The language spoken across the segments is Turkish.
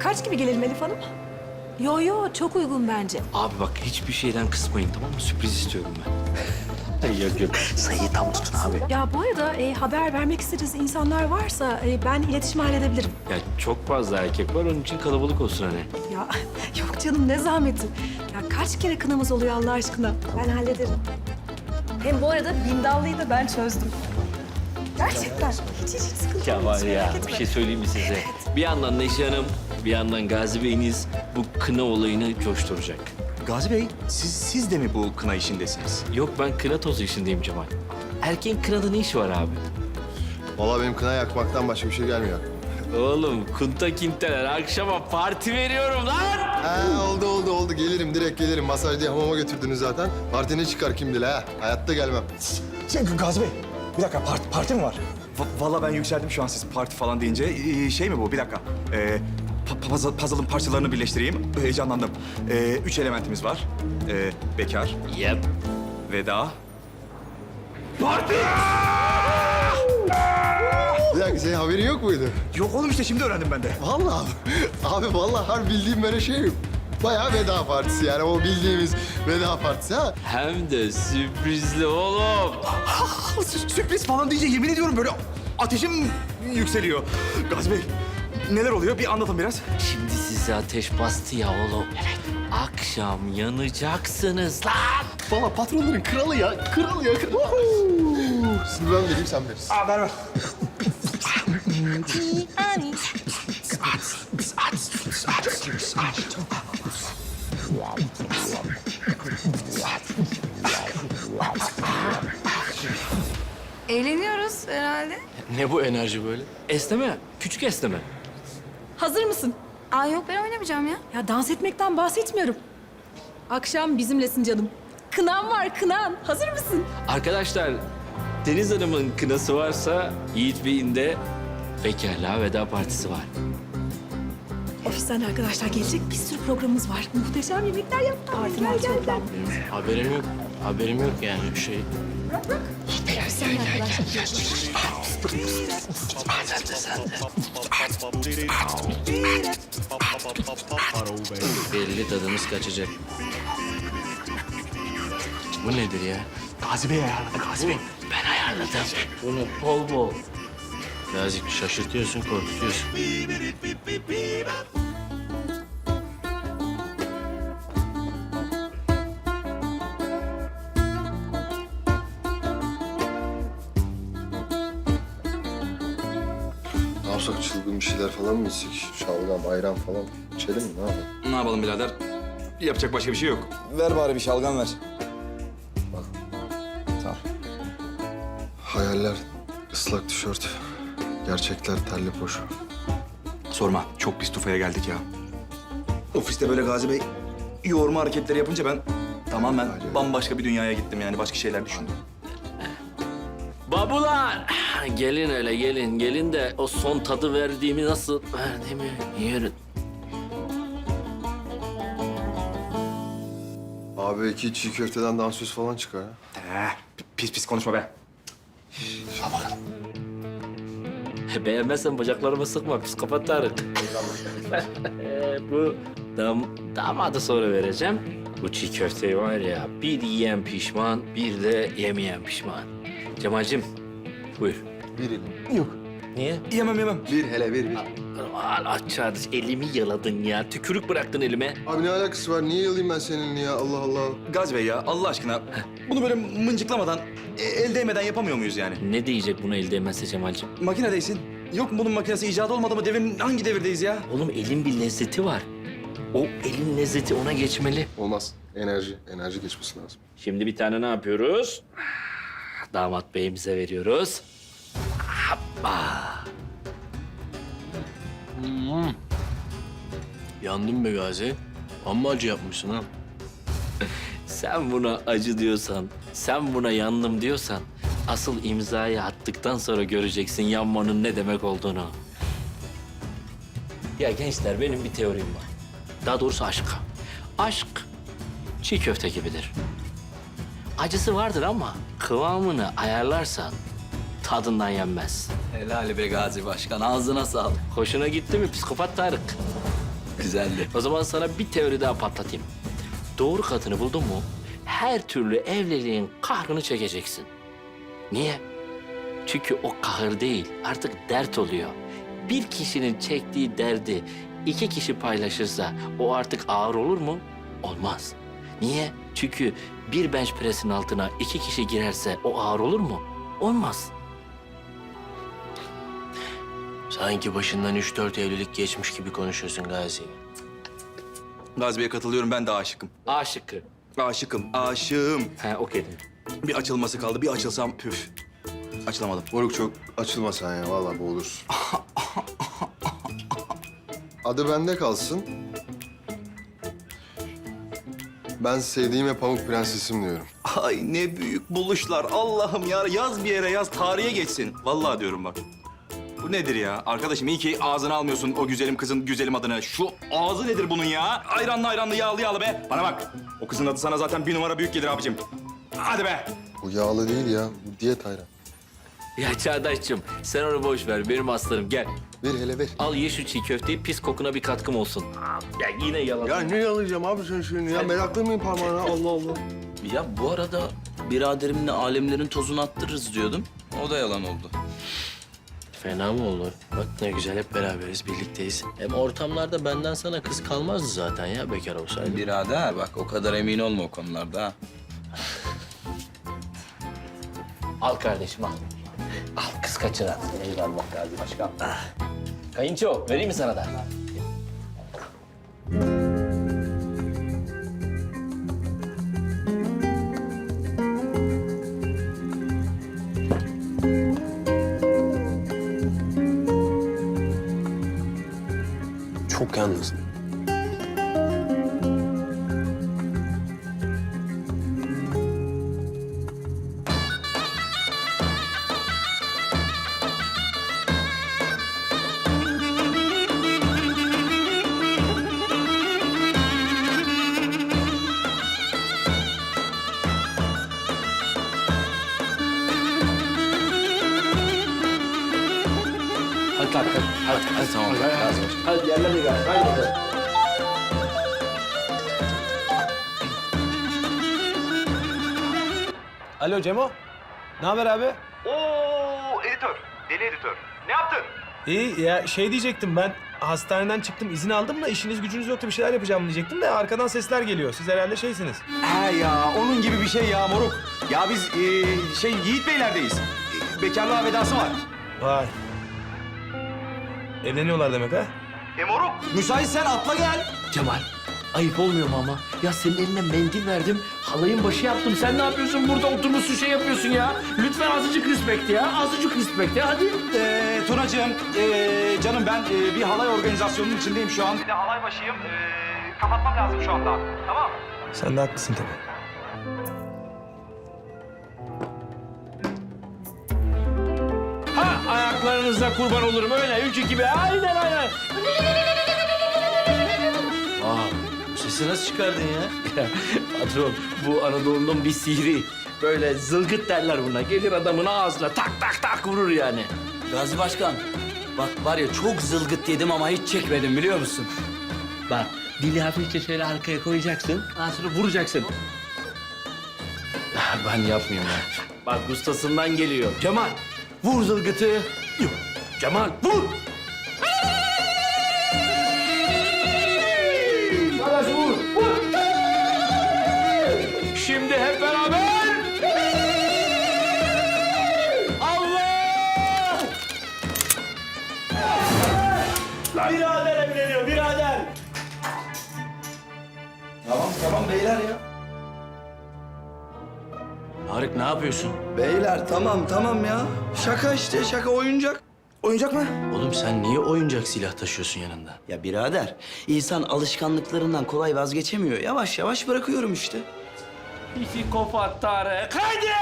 Kaç gibi gelelim Elif Hanım? Yo, çok uygun bence. Abi bak hiçbir şeyden kısmayın tamam mı? Sürpriz istiyorum ben. yok. Sayıyı tam tutun abi. Ya bu arada haber vermek istediğiniz insanlar varsa ben iletişim halledebilirim. Ya çok fazla erkek var onun için kalabalık olsun hani. Ya yok canım ne zahmeti. Ya kaç kere kınamız oluyor Allah aşkına. Ben hallederim. Hem bu arada bindallıyı da ben çözdüm. Gerçekten. Hiç sıkıntı Ya yok. var hiç ya merak bir etme. şey söyleyeyim mi size? Bir yandan Neşe Hanım, bir yandan Gazi Bey'iniz bu kına olayını coşturacak. Gazi Bey, siz de mi bu kına işindesiniz? Yok ben kına tozu işindeyim Cemal. Erkeğin kınada ne işi var abi? Vallahi benim kına yakmaktan başka bir şey gelmiyor. Oğlum kunta kinteler akşama parti veriyorum lan. Oldu. Gelirim, direkt gelirim. Masaj diye hamama götürdünüz zaten. Parti ne çıkar kim bilir ha. Hayatta gelmem. Gazi Bey, bir dakika parti mi var? Vallahi ben yükseldim şu an siz parti falan deyince. Şey mi bu? Bir dakika. Puzzle'ın parçalarını birleştireyim. Heyecanlandım. 3 elementimiz var. Bekar, Yep. veda. Bir dakika, senin haberin yok muydu? Yok oğlum işte şimdi öğrendim ben de. Vallahi abi vallahi harbi bildiğim böyle şey yok. Bayağı veda partisi yani o bildiğimiz veda partisi ha. Hem de sürprizli oğlum. Sürpriz falan deyince yemin ediyorum böyle ateşim yükseliyor. Gazi Bey, neler oluyor? Bir anlatın biraz. Şimdi size ateş bastı ya oğlum. Evet. Akşam yanacaksınız lan. Valla patronların kralı ya. Şimdi ben vereyim sen verirsin. Ver. Eğleniyoruz herhalde. Ne bu enerji böyle? Esneme, küçük esneme. Hazır mısın? Aa yok ben oynamayacağım ya. Ya dans etmekten bahsetmiyorum. Akşam bizimlesin canım. Kınan var kınan. Hazır mısın? Arkadaşlar, Deniz Hanım'ın kınası varsa Yiğit Bey'in de bekarlığa veda partisi var. Ofisten arkadaşlar gelecek bir sürü programımız var. Muhteşem yemekler yaptık. Gel. Haberim yok yani bir şey. Ofisten arkadaşlar. Belli tadımız kaçacak. Bu nedir ya? Gazi Bey ayarladı Gazi Bey. Ben ayarladım. Bunu bol bol. Birazcık şaşırtıyorsun, korkutuyorsun. Ne yapsak, çılgın bir şeyler falan mı içsek? Şalgam, ayran falan içelim mi? Ne yapalım? Ne yapalım birader? Yapacak başka bir şey yok. Ver bari bir şalgam ver. Bak. Sağ ol. Hayaller ıslak tişört. Gerçekler terli poşu. Sorma, çok pis tufaya geldik ya. Ofiste böyle Gazi Bey yoğurma hareketleri yapınca ben tamamen bambaşka bir dünyaya gittim yani. Başka şeyler düşündüm. Babular! Gelin öyle gelin de o son tadı verdiğimi nasıl verdiğimi yiyin. Abi 2 çiğ köfteden dansöz falan çıkar ha. Pis konuşma be. Beğenmezsen bacaklarımı sıkma psikopat Tarık. Bu damadı sonra vereceğim. Bu çiğ köfteyi var ya bir yiyen pişman bir de yemeyen pişman. Cemal'cim buyur. Bir elim. Yok. Niye? Yemem. Bir hele bir. Açardı elimi yaladın ya. Tükürük bıraktın elime. Abi ne alakası var? Niye yalayayım ben seninle ya? Allah Allah. Gazi Bey ya Allah aşkına bunu böyle mıncıklamadan, el değmeden yapamıyor muyuz yani? Ne diyecek bunu elde etmezse Cemal'cim? Makinedeysin. Yok mu bunun makinesi icat olmadı mı? Hangi devirdeyiz ya? Oğlum elin bir lezzeti var. O elin lezzeti ona geçmeli. Olmaz. Enerji geçmesi lazım. Şimdi bir tane ne yapıyoruz? Damat beyimize veriyoruz. Yandım be Gazi. Amma acı yapmışsın ha. Sen buna acı diyorsan, sen buna yandım diyorsan... ...asıl imzayı attıktan sonra göreceksin yanmanın ne demek olduğunu. Ya gençler benim bir teorim var. Daha doğrusu aşk. Aşk çiğ köfte gibidir. Acısı vardır ama kıvamını ayarlarsan tadından yenmez. Helal be Gazi Başkan. Ağzına sağlık. Hoşuna gitti mi psikopat Tarık? Güzeldi. O zaman sana bir teori daha patlatayım. Doğru kadını buldun mu her türlü evliliğin kahrını çekeceksin. Niye? Çünkü o kahır değil, artık dert oluyor. Bir kişinin çektiği derdi iki kişi paylaşırsa o artık ağır olur mu? Olmaz. Niye? Çünkü bir bench press'in altına iki kişi girerse o ağır olur mu? Olmaz. Sanki başından 3-4 evlilik geçmiş gibi konuşuyorsun Gazi. Gazi Bey'e katılıyorum, ben de aşıkım. A şıkkı. Aşıkım, aşığım. He, okey. Bir açılması kaldı, bir açılsam püf. Açılamadım. Moruk çok açılma sen ya. Vallahi boğulursun. Adı bende kalsın. Ben sevdiğime Pamuk Prensesim diyorum. Ay ne büyük buluşlar. Allah'ım ya, yaz bir yere yaz, tarihe geçsin. Vallahi diyorum bak. Bu nedir ya? Arkadaşım iyi ki ağzına almıyorsun o güzelim kızın güzelim adını. Şu ağzı nedir bunun ya? Ayranlı ayranlı, yağlı yağlı be. Bana bak. O kızın adı sana zaten bir numara büyük gelir abicim. Hadi be. Bu yağlı değil ya. Bu diyet ayran. Ya Çağdaş'cığım sen onu boş ver. Benim aslanım gel. Ver hele ver. Al ye şu çiğ köfteyi, pis kokuna bir katkım olsun. Ya yine yalan. Ya ne yalayacağım abi sen şimdi ya? Meraklı mıyım parmağına? Allah Allah. Ya bu arada biraderimle alemlerin tozunu attırırız diyordum. O da yalan oldu. Fena mı olur? Bak ne güzel hep beraberiz, birlikteyiz. Hem ortamlarda benden sana kız kalmazdı zaten ya bekar olsaydı. Birader bak o kadar emin olma o konularda ha. Al kardeşim al. Al kız kaçıran. Eyvallah Gazi Başkan. Kayınço vereyim mi sana da? Çok yalnızım. Hadi kalk hadi. Hadi Tamam. Gazi Başkan. Hadi yerlerine gel. Hadi. Alo Cemo. Ne haber abi? Oo, editör. Deli editör. Ne yaptın? İyi ya şey diyecektim ben hastaneden çıktım izin aldım da işiniz gücünüz yoktu bir şeyler yapacağım diyecektim de arkadan sesler geliyor. Siz herhalde şeysiniz. He ya, onun gibi bir şey ya moruk. Ya biz Yiğit Beyler'deyiz. Bekarlığa vedası var. Vay. Evleniyorlar demek ha? Moruk, müsaitsen atla gel. Cemal ayıp olmuyor mu ama? Ya senin eline mendil verdim. Halayın başı yaptım. Sen ne yapıyorsun? Burada oturmuşsun şey yapıyorsun ya. Lütfen azıcık respect ya. Azıcık respect ya. Hadi. Tunacığım, canım ben bir halay organizasyonunun içindeyim şu an. Bir de halay başıyım. Kapatmam lazım şu anda. Tamam. Sen de haklısın tabii. Ha ayaklarınıza kurban olurum öyle. Ülkü gibi. Aynen aynen. Bu sesi nasıl çıkardın ya? Ya, patron bu Anadolu'nun bir sihri. Böyle zılgıt derler buna. Gelir adamın ağzına tak tak tak vurur yani. Gazi Başkan bak var ya çok zılgıt yedim ama hiç çekmedim biliyor musun? Bak dili hafifçe şöyle arkaya koyacaksın. Daha sonra vuracaksın. Ben yapmıyorum ya. Bak ustasından geliyor. Cemal vur zılgıtı. Yok. Cemal vur. Arkadaş vur. Vur. Şimdi hep beraber. Allah! Birader evleniyor, birader. Tamam beyler ya. Tarık ne yapıyorsun? Beyler tamam ya. Şaka işte, şaka oyuncak. Oyuncak mı? Oğlum sen niye oyuncak silah taşıyorsun yanında? Ya birader, insan alışkanlıklarından kolay vazgeçemiyor. Yavaş yavaş bırakıyorum işte. Psikopat Tarık. Hadi!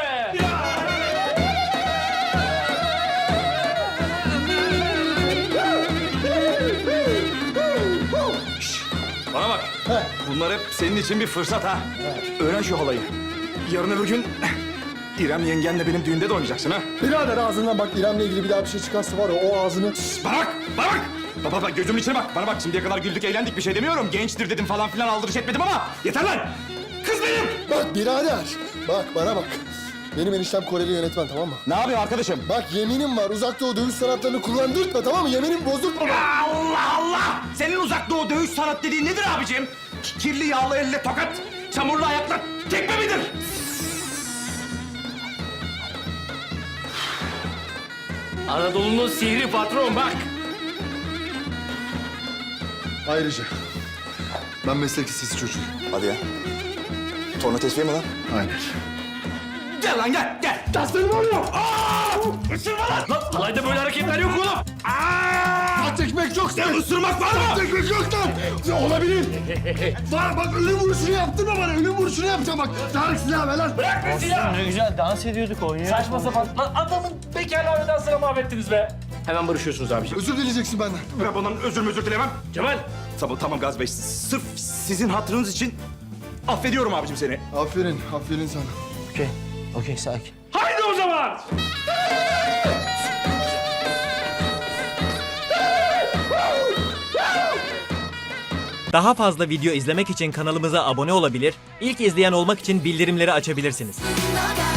Bana bak. Bunlar hep senin için bir fırsat ha. Öğren şu halayı. Yarın öbür gün İrem yengenle benim düğünde de oynayacaksın ha. Birader ağzından bak İrem'le ilgili bir daha bir şey çıkarsa var ya o ağzını... Bana bak, bana bak. Baba gözümün içine bak. Bana bak şimdiye kadar güldük eğlendik bir şey demiyorum. Gençtir dedim falan filan aldırış etmedim ama yeter lan. Kız benim. Bak birader. Bak bana bak. Benim eniştem Koreli yönetmen, tamam mı? Ne yapıyor arkadaşım? Bak yeminim var. Uzak Doğu dövüş sanatlarını kullandırtma, tamam mı? Yeminimi bozdurtma bak. Allah Allah! Senin uzak doğu dövüş sanat dediğin nedir abicim? Kirli yağlı elle tokat, çamurlu ayakla tekme midir? Anadolu'nun sihri patron bak. Ayrıca ben meslek lisesi çocuğuyum. Hadi ya. Torna tesviye mi lan? Aynen. Gel lan gel, gel. Taslarım oluyor. Aa! Isırma lan! Lan olayda böyle hareketler yok oğlum. Tat ekmek yok sen. Isırmak var mı? Tat ekmek yok lan. Ya olabilir. Var bak ölüm vuruşunu yaptırma bana. Ölüm vuruşunu yapacağım bak. Tarık silahı ver lan. Bırak be silah. Ne güzel dans ediyorduk, oynuyorduk. Saçma sapan. Lan adamın bekarlığı dansına mahvettiniz be. Hemen barışıyorsunuz abiciğim. Özür dileyeceksin benden. Ben bundan özür dilemem. Cemal. Tamam Gazi Bey. Sırf sizin hatırınız için affediyorum abicim seni. Aferin, aferin sana. Okey, sakin. Haydi o zaman. Daha fazla video izlemek için kanalımıza abone olabilir, ilk izleyen olmak için bildirimleri açabilirsiniz. Naga